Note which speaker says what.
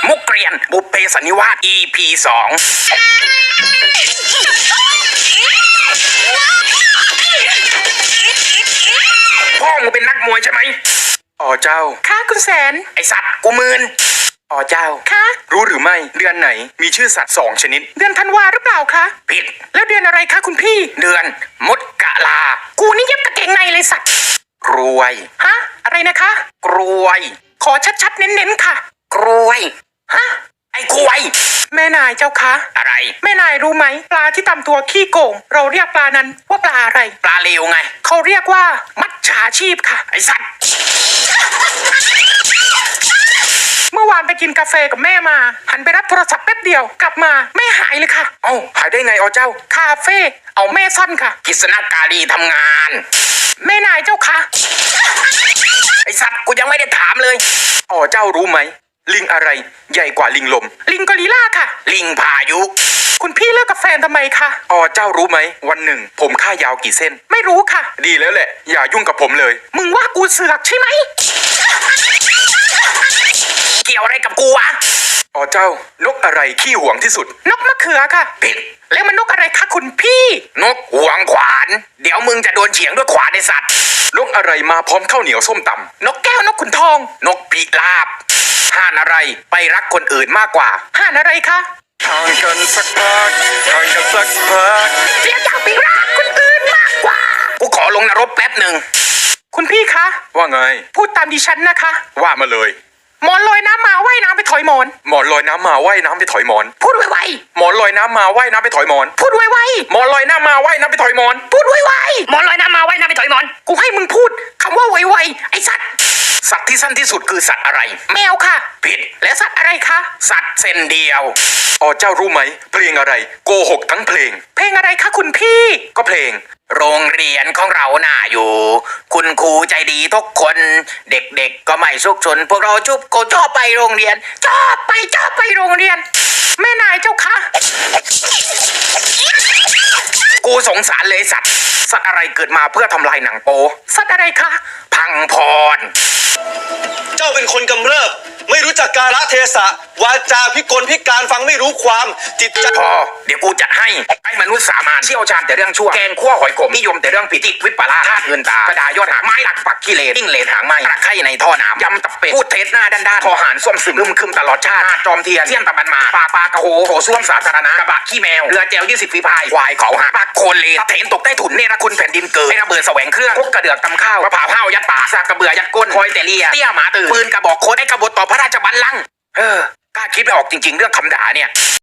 Speaker 1: มุกเกรียนบุพเพสันนิวาส EP 2พ่อมึงเป็นนักมวยใช่ไหมอ๋อเจ้าค่ะคุณแสนไอสัตว์กูมืนอ๋อเจ้าค่ะรู้หรือไม่เดือนไหนมีชื่อสัตว์2ชนิดเดือนธันวาหรือเปล่าคะผิดแล้วเดือนอะไรคะคุณพี่เดือนมดกะลากูนี่เย็บกางเกงในเลยสัตว์กรวยฮะอะไรนะคะกรวยขอชัดๆเน้นๆค่ะกรวยฮะไอ้กรวยแม่นายเจ้าคะอะไรแม่นายรู้ไหมปลาที่ตำตัวขี้โกงเราเรียกปลานั้นว่าปลาอะไรปลาเลวไงเขาเรียกว่ามัจฉาชีพค่ะไอ้สัตว์เมื่อวานไปกินกาแฟกับแม่มาหันไปรับโทรศัพท์แป๊บเดียวกลับมาแม่หายเลยค่ะเอ้าหายได้ไงอ๋อเจ้าคาเฟ่เอาแม่ซ่อนค่ะกิษณการีทำงานแม่นายเจ้าคะไอสัตว์กูยังไม่ได้ถามเลยอ๋อเจ้ารู้ไหมลิงอะไรใหญ่กว่าลิงลมลิงกอริลลาค่ะลิงพายุคุณพี่เลิกกับแฟนทำไมคะอ๋อเจ้ารู้ไหมวันหนึ่งผมค่ายาวกี่เส้นไม่รู้ค่ะดีแล้วแหละอย่ายุ่งกับผมเลยมึงว่ากูเสือกใช่ไหมเกี่ยวอะไรกับกูวะอ๋อเจ้านกอะไรขี้หวงที่สุดนกมะเขือค่ะผิดแล้วมันนกอะไรคะคุณพี่นกหวงขวานเดี๋ยวมึงจะโดนเฉียงด้วยขวานในสัตว์นกอะไรมาพร้อมข้าวเหนียวส้มตำนกแก้วนกขุนทองนกพิราบห่านอะไรไปรักคนอื่นมากกว่าห่านอะไรคะห่างกันสักพักห่างกันสักพักเรียกอยากไปรักคนอื่นมากกว่ากูขอลงนรกแป๊บหนึ่งคุณพี่คะว่าไงพูดตามดิฉันนะคะว่ามาเลยหมอนลอยน้ำมาว่ายน้ำไปถอยหมอนหมอนลอยน้ำมาว่ายน้ำไปถอยหมอนพูดไวๆหมอนลอยน้ำมาว่ายน้ำไปถอยหมอนพูดไวๆหมอนลอยน้ำมาว่ายน้ำไปถอยหมอนพูดไวๆหมอนลอยน้ำมาว่ายน้ำไปถอยหมอนกูให้มึงพูดคำว่าไวๆไอสัตว์สัตว์ที่สั้นที่สุดคือสัตว์อะไรแมวค่ะผิดและสัตว์อะไรคะสัตว์เส้นเดียวอ๋อเจ้ารู้ไหมเพลงอะไรโกหกทั้งเพลงเพลงอะไรคะคุณพี่ก็เพลงโรงเรียนของเราน่าอยู่คุณครูใจดีทุกคนเด็กๆก็ไม่ซุกซนพวกเราชุบโกชอบไปโรงเรียนชอบไปโรงเรียนแม่นายเจ้าคะกูสงสารเลยสัตว์อะไรเกิดมาเพื่อทำลายหนังโป๊สัตว์อะไรคะพังพร
Speaker 2: เจ้าเป็นคนกำเริบไม่รู้จักกาลเทศะวาจาพิกลพิการฟังไม่รู้ความจิตใจ
Speaker 1: พอเดี๋ยวกูจัดให้มนุษย์สามัญเชี่ยวชาญแต่เรื่องชั่วแกงขั้วหอยขมนิยมแต่เรื่องผิดวิปลาสธาตุเงินตากระดายอดหักไม้หลักปักกิเลสยิ่งเลนหางไม้ตะไคร่ในท่อน้ำยำตับเป็ดพูดเท็จหน้าด้านทอหารส้วมซึมคึมตลอดชาติจอมเทียนเสี่ยงตะบันมาปากระโหโถส้วมสาธารณะกระบะขี้แมวเรือแจว20 ฝีพายควายเขาหักปักโคนเลนเถนตกใต้ถุนเนรคุณแผ่นดินเกิดให้ระเบิดแสวงเครื่องพกกระเดือกตำข้าวมะพร้าวห้าวยัดปากซากกระเบือยัดก้นคอยแต่เลียเตี้ยหมาตื่นปืนกระบอกโคตรไอ้กบฏต่อพระราชบัลลังก์กล้าคิดไม่ออกจริงๆเรื่องคำด่าเนี่ย